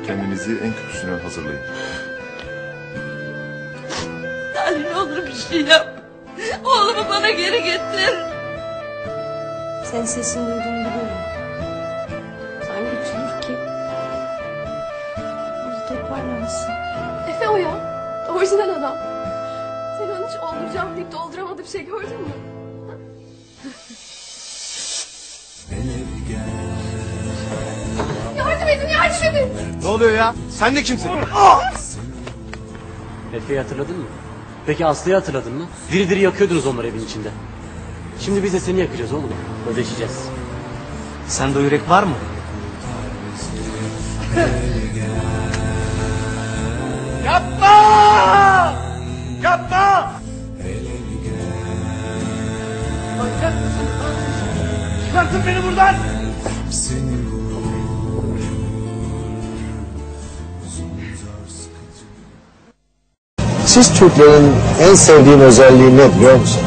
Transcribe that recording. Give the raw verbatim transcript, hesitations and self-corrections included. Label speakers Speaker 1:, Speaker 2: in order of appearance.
Speaker 1: kendinizi en kötüsüne hazırlayın.
Speaker 2: Yani ne olur bir şey yap. Oğlumu bana geri getir.
Speaker 3: Senin sesini duyduğumu biliyorum. Hangi güçlüdür ki? Bizi toparlansın.
Speaker 4: Efe o ya. Orijinal adam. Sen onu hiç olduracağım deyip dolduramadığı bir şey gördün mü? Yardım edin, yardım edin.
Speaker 5: Ne oluyor ya? Sen de kimsin?
Speaker 6: Efe'yi hatırladın mı? Peki Aslı'yı hatırladın mı? Diri diri yakıyordunuz onları evin içinde. Şimdi biz de seni yakacağız oğlum. Ödeşeceğiz.
Speaker 5: Sende o yürek var mı? Yapma! Yapma! Manyak mısın? Çıkartın beni buradan!
Speaker 7: Siz Türklerin en sevdiğim özelliği ne biliyor musun?